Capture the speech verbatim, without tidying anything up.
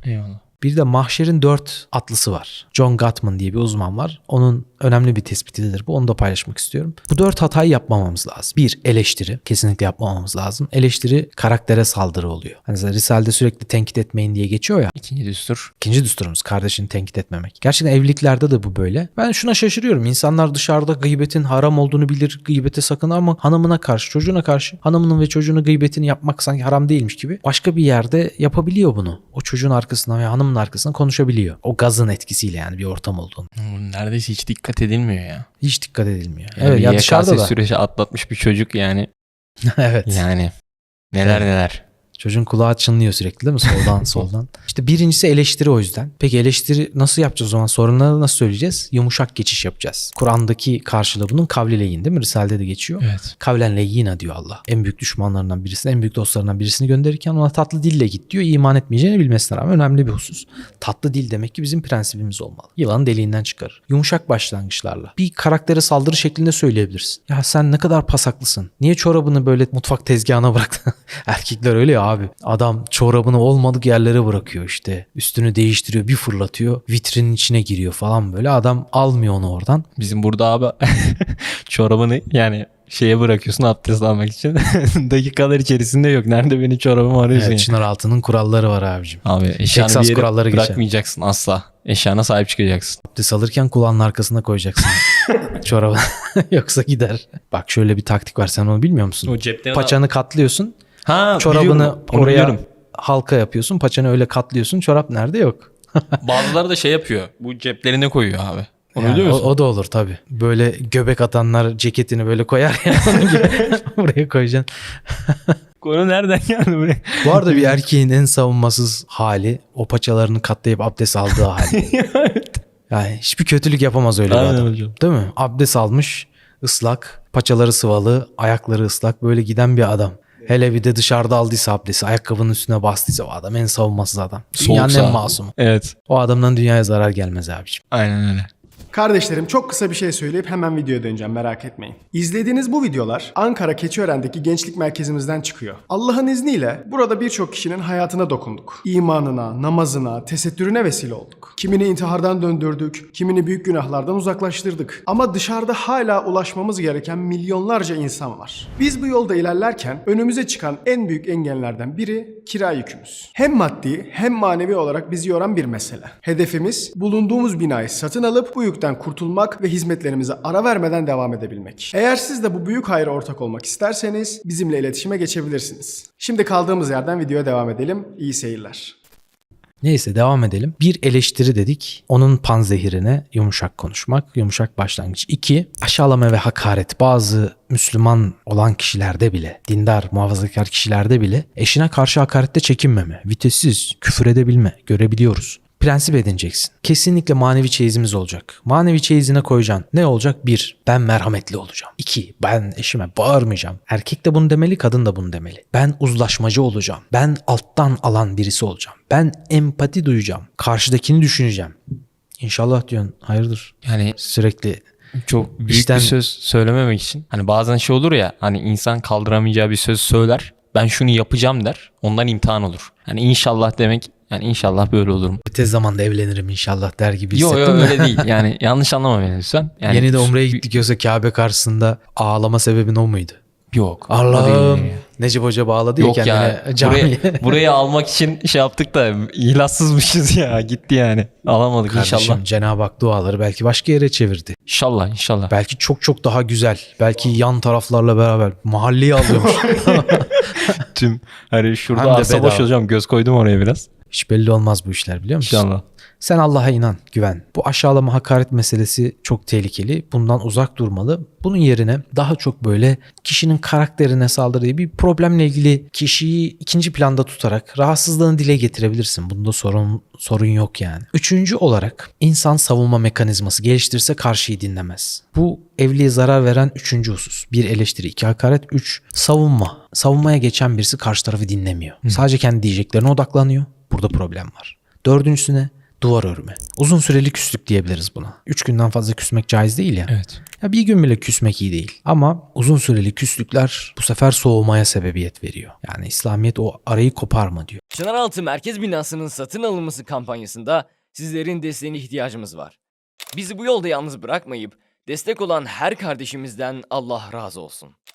Eyvallah. Bir de mahşerin dört atlısı var. John Gottman diye bir uzman var. Onun önemli bir tespitidir bu. Onu da paylaşmak istiyorum. Bu dört hatayı yapmamamız lazım. Bir, eleştiri. Kesinlikle yapmamamız lazım. Eleştiri karaktere saldırı oluyor. Hani Risale'de sürekli tenkit etmeyin diye geçiyor ya. İkinci düstur. İkinci düsturumuz kardeşini tenkit etmemek. Gerçekten evliliklerde de bu böyle. Ben şuna şaşırıyorum. İnsanlar dışarıda gıybetin haram olduğunu bilir. Gıybete sakın ama hanımına karşı, çocuğuna karşı hanımının ve çocuğunun gıybetini yapmak sanki haram değilmiş gibi. Başka bir yerde yapabiliyor bunu. O çocuğun arkasından veya hanımın arkasından konuşabiliyor. O gazın etkisiyle yani bir ortam olduğunu. Neredeyse hiç dikkat edilmiyor ya. Hiç dikkat edilmiyor. Yani evet ya dışarıda da. süreci atlatmış bir çocuk yani. evet. Yani neler evet. neler. Çocuğun kulağı çınlıyor sürekli değil mi? Soldan soldan. İşte birincisi eleştiri o yüzden. Peki eleştiri nasıl yapacağız o zaman? Sorunları nasıl söyleyeceğiz? Yumuşak geçiş yapacağız. Kur'an'daki karşılığı bunun kavli leyyin değil mi? Risale'de de geçiyor. Evet. Kavlen leyyina diyor Allah. En büyük düşmanlarından birisini, en büyük dostlarından birisini gönderirken ona tatlı dille git diyor. İman etmeyeceğini bilmesine rağmen önemli bir husus. Tatlı dil demek ki bizim prensibimiz olmalı. Yılanı deliğinden çıkarır. Yumuşak başlangıçlarla. Bir karaktere saldırı şeklinde söyleyebilirsin. Ya sen ne kadar pasaklısın. Niye çorabını böyle mutfak tezgahına bıraktın? Erkekler öyle ya abi. Adam çorabını olmadık yerlere bırakıyor işte. Üstünü değiştiriyor, bir fırlatıyor. Vitrinin içine giriyor falan böyle. Adam almıyor onu oradan. Bizim burada abi çorabını yani şeye bırakıyorsun abdest almak için. Dakikalar içerisinde yok. Nerede benim çorabımı arıyorsun? Evet, Çınar Altı'nın kuralları var abicim. Abi eşyanı Texas bir yere kuralları bırakmayacaksın geçer. Asla. Eşyana sahip çıkacaksın. Abdest alırken kulağının arkasına koyacaksın çorabı. Yoksa gider. Bak şöyle bir taktik var, sen onu bilmiyor musun? O cepten Paçanı katlıyorsun. Ha, çorabını oraya biliyorum. halka yapıyorsun. Paçanı öyle katlıyorsun. Çorap nerede? Yok. Bazıları da şey yapıyor. Bu ceplerine koyuyor abi. Onu Yani biliyor musun? O, o da olur tabii. Böyle göbek atanlar ceketini böyle koyar ya. Onun gibi buraya koyacaksın. Konu nereden geldi buraya? Bu arada bir erkeğin en savunmasız hali o paçalarını katlayıp abdest aldığı hali. Yani hiçbir kötülük yapamaz öyle bir Aynen adam. hocam. Değil mi? Abdest almış, ıslak, paçaları sıvalı, ayakları ıslak, böyle giden bir adam. Hele bir de dışarıda aldıysa abdesti, ayakkabının üstüne bastıysa o adam en savunmasız adam. Dünyanın Soğuksa. en masumu. Evet. O adamdan dünyaya zarar gelmez abiciğim. Aynen öyle. Kardeşlerim, çok kısa bir şey söyleyip hemen videoya döneceğim, merak etmeyin. İzlediğiniz bu videolar Ankara Keçiören'deki gençlik merkezimizden çıkıyor. Allah'ın izniyle burada birçok kişinin hayatına dokunduk. İmanına, namazına, tesettürüne vesile olduk. Kimini intihardan döndürdük, kimini büyük günahlardan uzaklaştırdık. Ama dışarıda hala ulaşmamız gereken milyonlarca insan var. Biz bu yolda ilerlerken önümüze çıkan en büyük engellerden biri kira yükümüz. Hem maddi hem manevi olarak bizi yoran bir mesele. Hedefimiz bulunduğumuz binayı satın alıp bu yükten kurtulmak ve hizmetlerimize ara vermeden devam edebilmek. Eğer siz de bu büyük hayra ortak olmak isterseniz bizimle iletişime geçebilirsiniz. Şimdi kaldığımız yerden videoya devam edelim. İyi seyirler. Neyse devam edelim. Bir, eleştiri dedik. Onun panzehirine yumuşak konuşmak, yumuşak başlangıç. İki, aşağılama ve hakaret. Bazı Müslüman olan kişilerde bile, dindar, muhafazakar kişilerde bile eşine karşı hakarette çekinmeme, vitessiz, küfür edebilme görebiliyoruz. Prensip edineceksin. Kesinlikle manevi çeyizimiz olacak. Manevi çeyizine koyacaksın. Ne olacak? Bir, ben merhametli olacağım. İki, ben eşime bağırmayacağım. Erkek de bunu demeli, kadın da bunu demeli. Ben uzlaşmacı olacağım. Ben alttan alan birisi olacağım. Ben empati duyacağım. Karşıdakini düşüneceğim. İnşallah diyorsun. Hayırdır? Yani Sürekli çok büyük İşten- bir söz söylememek için. Hani bazen şey olur ya, hani insan kaldıramayacağı bir söz söyler. Ben şunu yapacağım der. Ondan imtihan olur. Hani inşallah demek, yani inşallah böyle olurum. tez zamanda evlenirim inşallah der gibi Yok hissettim. yok de. öyle değil. Yani yanlış anlama beni lütfen. Yani Yeni de Umre'ye gittik, yoksa Kabe karşısında ağlama sebebin o muydu? Yok. o Allah'ım. değil. Necip Hoca bağladı ya Yok kendine ya. camiye. Buraya, burayı almak için şey yaptık da ilaçsızmışız ya. Gitti yani. Alamadık Kardeşim, inşallah. Cenab-ı Hak duaları belki başka yere çevirdi. İnşallah inşallah. Belki çok çok daha güzel. Belki yan taraflarla beraber mahalleyi alıyormuş. Tüm hani Hem şurada de arsa boş bedava. hocam, göz koydum oraya biraz. Hiç belli olmaz bu işler, biliyor musun? İnşallah. Sen Allah'a inan, güven. Bu aşağılama, hakaret meselesi çok tehlikeli. Bundan uzak durmalı. Bunun yerine daha çok böyle kişinin karakterine saldırdığı bir problemle ilgili kişiyi ikinci planda tutarak rahatsızlığını dile getirebilirsin. Bunda sorun sorun yok yani. Üçüncü olarak insan savunma mekanizması geliştirirse karşıyı dinlemez. Bu evliliğe zarar veren üçüncü husus. Bir, eleştiri. iki hakaret. Üç, savunma. Savunmaya geçen birisi karşı tarafı dinlemiyor. Sadece kendi diyeceklerine odaklanıyor. Burada problem var. Dördüncüsüne duvar örme. Uzun süreli küslük diyebiliriz buna. Üç günden fazla küsmek caiz değil ya. Evet. Ya bir gün bile küsmek iyi değil. Ama uzun süreli küslükler bu sefer soğumaya sebebiyet veriyor. Yani İslamiyet o arayı koparma diyor. Çınaraltı Merkez Binası'nın satın alınması kampanyasında sizlerin desteğine ihtiyacımız var. Bizi bu yolda yalnız bırakmayıp destek olan her kardeşimizden Allah razı olsun.